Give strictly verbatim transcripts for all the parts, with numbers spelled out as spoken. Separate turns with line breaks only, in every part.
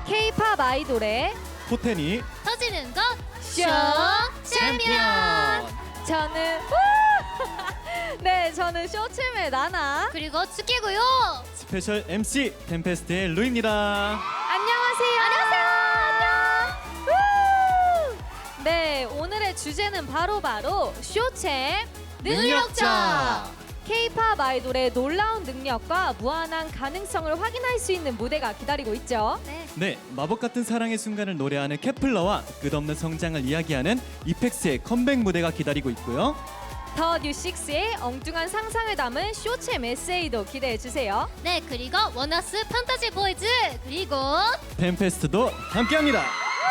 K-팝 아이돌의
포텐이
터지는 것
쇼
챔피언.
저는 네, 저는 쇼챔의 나나.
그리고 츠키고요.
스페셜 엠씨 템페스트의 루입니다.
안녕하세요.
안녕하세요.
안녕. 네, 오늘의 주제는 바로 바로 쇼챔 능력자. K-팝 아이돌의 놀라운 능력과 무한한 가능성을 확인할 수 있는 무대가 기다리고 있죠.
네.
네, 마법 같은 사랑의 순간을 노래하는 케플러와 끝없는 성장을 이야기하는 이펙스의 컴백 무대가 기다리고 있고요.
더 뉴식스의 엉뚱한 상상을 담은 쇼챔 에세이도 기대해 주세요.
네, 그리고 원어스 판타지 보이즈 그리고
템페스트도 함께합니다.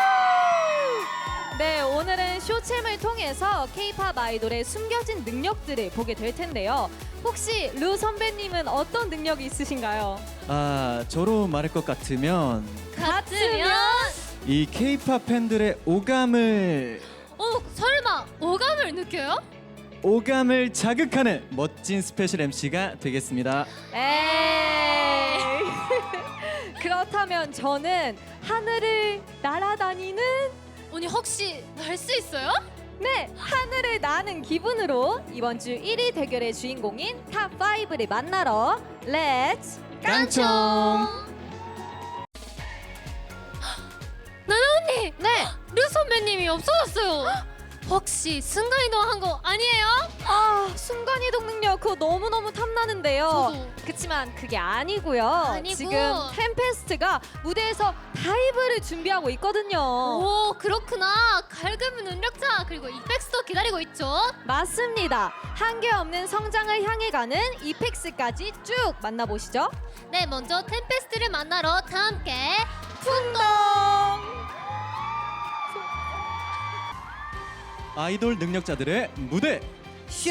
네, 오늘은 쇼챔을 통해서 K-팝 아이돌의 숨겨진 능력들을 보게 될 텐데요. 혹시 루 선배님은 어떤 능력이 있으신가요?
아, 저로 말할 것 같으면
같으면
이 K-팝 팬들의 오감을
어 설마 오감을 느껴요?
오감을 자극하는 멋진 스페셜 엠씨가 되겠습니다.
에이. 그렇다면 저는 하늘을 날아다니는
언니 혹시 날 수 있어요?
네, 하늘을 나는 기분으로 이번 주 일 위 대결의 주인공인 탑 파이브를 만나러 렛츠
깡총!
나나 언니!
네!
루 선배님이 없어졌어요. 혹시 순간이동한 거 아니에요?
아, 순간이동 능력 그거 너무너무 탐나는데요.
저도.
그치만 그게 아니고요.
아니고.
지금 템페스트가 무대에서 다이브를 준비하고 있거든요.
오 그렇구나. 갈굼 능력자 그리고 이펙스도 기다리고 있죠.
맞습니다. 한계 없는 성장을 향해 가는 이펙스까지 쭉 만나보시죠.
네, 먼저 템페스트를 만나러 다 함께
풍덩!
아이돌 능력자들의 무대
쇼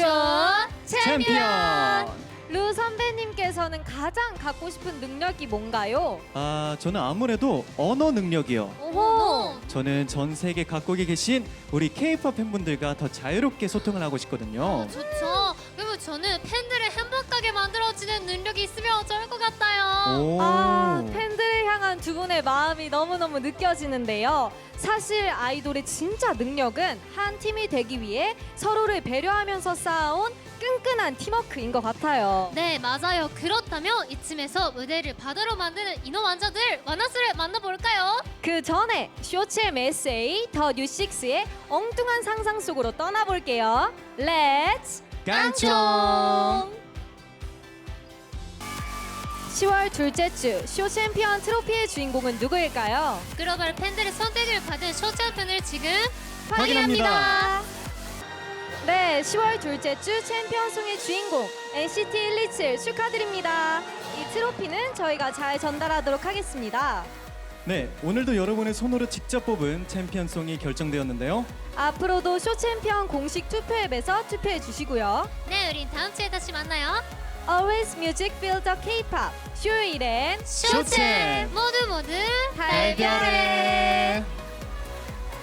챔피언!
루 선배님께서는 가장 갖고 싶은 능력이 뭔가요?
아, 저는 아무래도 언어 능력이요.
어머
저는 전 세계 각국에 계신 우리 K-팝 팬분들과 더 자유롭게 소통을 하고 싶거든요.
좋죠. 그리고 저는 팬들을 행복하게 만들어주는 능력이 있으면 좋을 것 같아요.
오.
아, 팬들을 향한 두 분의 마음이 너무너무 느껴지는데요. 사실 아이돌의 진짜 능력은 한 팀이 되기 위해 서로를 배려하면서 쌓아온 끈끈한 팀워크인 것 같아요.
네, 맞아요. 그렇다면 이쯤에서 무대를 바다로 만드는 인어 왕자들 와나스를 만나볼까요?
그 전에 쇼챔 에세이 더 뉴식스의 엉뚱한 상상 속으로 떠나볼게요. 렛츠
깡총!
시월 둘째 주 쇼 챔피언 트로피의 주인공은 누구일까요?
글로벌 팬들의 선택을 받은 쇼챔피언을 지금
확인합니다.
네, 시월 둘째 주 챔피언송의 주인공 엔시티 일이칠 축하드립니다. 이 트로피는 저희가 잘 전달하도록 하겠습니다.
네, 오늘도 여러분의 손으로 직접 뽑은 챔피언송이 결정되었는데요.
앞으로도 쇼 챔피언 공식 투표 앱에서 투표해 주시고요.
네, 우린 다음 주에 다시 만나요.
Always Music Feel the K-팝 쇼일엔
쇼챔!
모두 모두
달걀에